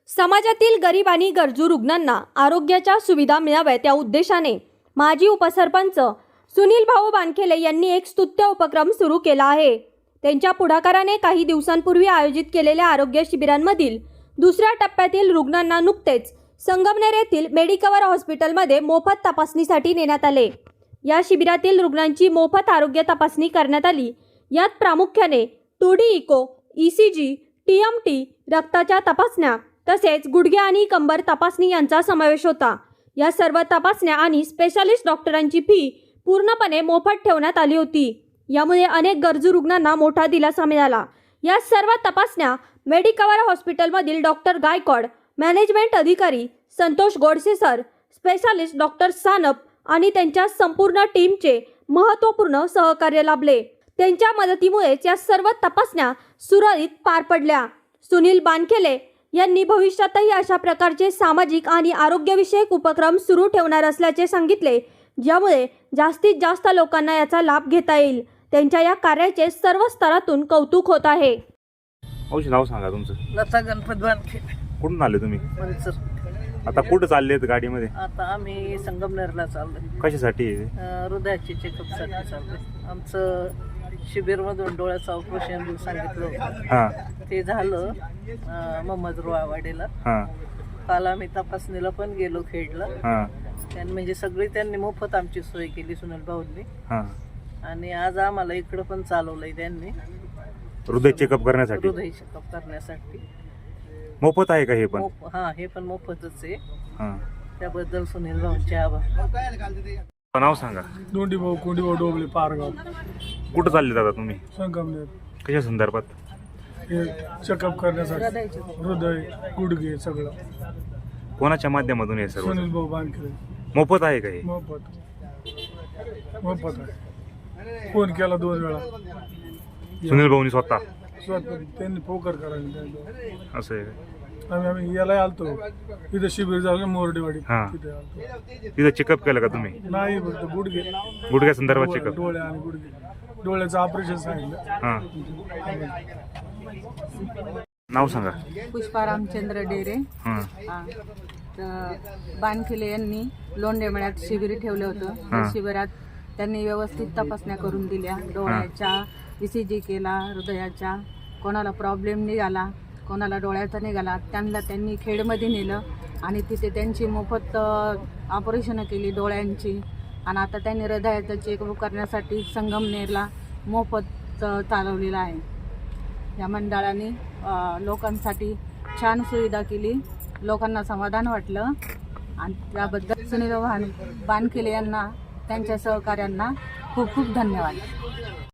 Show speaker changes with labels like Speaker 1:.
Speaker 1: समाजातील गरीब आणि गरजू रुग्णांना आरोग्याच्या सुविधा मिळाव्यात या उद्देशाने माजी उपसरपंच सुनील भाऊ बानखेले यांनी एक स्तुत्य उपक्रम सुरू केला आहे। त्यांच्या पुढाकाराने काही दिवसांपूर्वी आयोजित केलेल्या आरोग्य शिबिरांमधील दुसऱ्या टप्प्यातील रुग्णांना नुकतेच संगमनेर येथील मेडिकवर हॉस्पिटलमध्ये मोफत तपासणीसाठी नेण्यात आले। या शिबिरातील रुग्णांची मोफत आरोग्य तपासणी करण्यात आली। यात प्रामुख्याने 2D इको, ECG, TMT, रक्ताच्या तपासण्या तसेच गुडघे आणि कंबर तपासणी यांचा समावेश होता। या सर्व तपासण्या आणि स्पेशालिस्ट डॉक्टरांची फी पूर्णपणे मोफत ठेवण्यात आली होती। यामुळे अनेक गरजू रुग्णांना मोठा दिलासा मिळाला। या सर्व तपासण्या मेडिकवर हॉस्पिटलमधील डॉक्टर गायकवाड, मॅनेजमेंट अधिकारी Santosh Godse sir, specialist doctor Sanap आणि त्यांच्या संपूर्ण टीमचे महत्त्वपूर्ण सहकार्य लाभले। त्यांच्या मदतीमुळेच या सर्व तपासण्या सुरळीत पार पडल्या। सुनील बानखेले यांनी भविष्यातही अशा प्रकारचे सामाजिक आणि आरोग्यविषयक उपक्रम सुरू ठेवणार असल्याचे सांगितले, ज्यामुळे जास्तीत जास्त लोकांना याचा लाभ घेता येईल। त्यांच्या या कार्याचे सर्व स्तरातून कौतुक होत आहे।
Speaker 2: औषध नाव सांगा तुमचं?
Speaker 3: लता गणपत बानखेले।
Speaker 2: कुठून आले तुम्ही?
Speaker 3: मनसर।
Speaker 2: आता कुठं चाललेत गाडीमध्ये?
Speaker 3: आता आम्ही संगमनेरला चाललोय।
Speaker 2: कशासाठी?
Speaker 3: हृदयाची चेकअपसाठी चाललोय। आमचं शिबिरमधून डोळ्याचं ऑपरेशन सांगितलं होतं, ते झालं मोहम्मद रुआवाडीला। काल आम्ही तपासणीला पण गेलो खेडला। त्यांनी म्हणजे सगळी त्यांनी मोफत आमची सोय केली सुनील भाऊंनी। आणि आज आम्हाला इकडं पण चालवलंय त्यांनी
Speaker 2: हृदय चेकअप करण्यासाठी।
Speaker 3: हृदय चेकअप करण्यासाठी
Speaker 2: मोफत आहे का हे पण?
Speaker 3: हा, हे पण मोफतच आहे। त्याबद्दल सुनील भाऊंचे आभार।
Speaker 2: नाव सांगा?
Speaker 4: दोंडी भाऊ कोंडी भाऊ डोबळे पारगाव।
Speaker 2: कुठं चालले दादा तुम्ही?
Speaker 4: संगमनेर।
Speaker 2: कशा संदर्भात?
Speaker 4: हे चेकअप करण्यासाठी, हृदय, गुडघे सगळं।
Speaker 2: कोणाच्या माध्यमातून हे सर्व?
Speaker 4: सुनील भाऊ बानखेले।
Speaker 2: मोफत आहे का हे?
Speaker 4: मोफत आहे। फोन केला 2 वेळा
Speaker 2: सुनील भाऊनी स्वतः
Speaker 4: त्यांनी फोकर करायला।
Speaker 2: असं आहे का?
Speaker 4: आम्ही याला आलतो, इथं शिबिर झालं मोरडेवाडी,
Speaker 2: तिथे
Speaker 4: आलतो।
Speaker 2: तिथं चेकअप केलं का तुम्ही?
Speaker 4: नाही, फक्त गुडघे,
Speaker 2: गुडघ्या संदर्भात चेकअप?
Speaker 4: डोळे आणि गुडघे, डोळ्याचं ऑपरेशन सांगितलं।
Speaker 2: नाव सांगा?
Speaker 5: पुष्पा रामचंद्र डेरे। बानखेले यांनी लोंढेमळ्यात शिबिर ठेवलं होतं। त्या शिबिरात त्यांनी व्यवस्थित तपासण्या करून दिल्या। डोळ्याच्या ECG केला, हृदयाच्या, कोणाला प्रॉब्लेम निघाला, कोणाला डोळ्याचा निघाला, त्यांनी खेडमध्ये नेलं आणि तिथे त्यांची मोफत ऑपरेशनं केली डोळ्यांची। आणि आता त्यांनी हृदयाचं चेकअप करण्यासाठी संगमनेरला मोफत चालवलेला आहे। या मंडळाने लोकांसाठी छान सुविधा केली, लोकांना समाधान वाटलं आणि त्याबद्दल सुनील बानखेले यांना, त्यांच्या सहकाऱ्यांना खूप खूप धन्यवाद।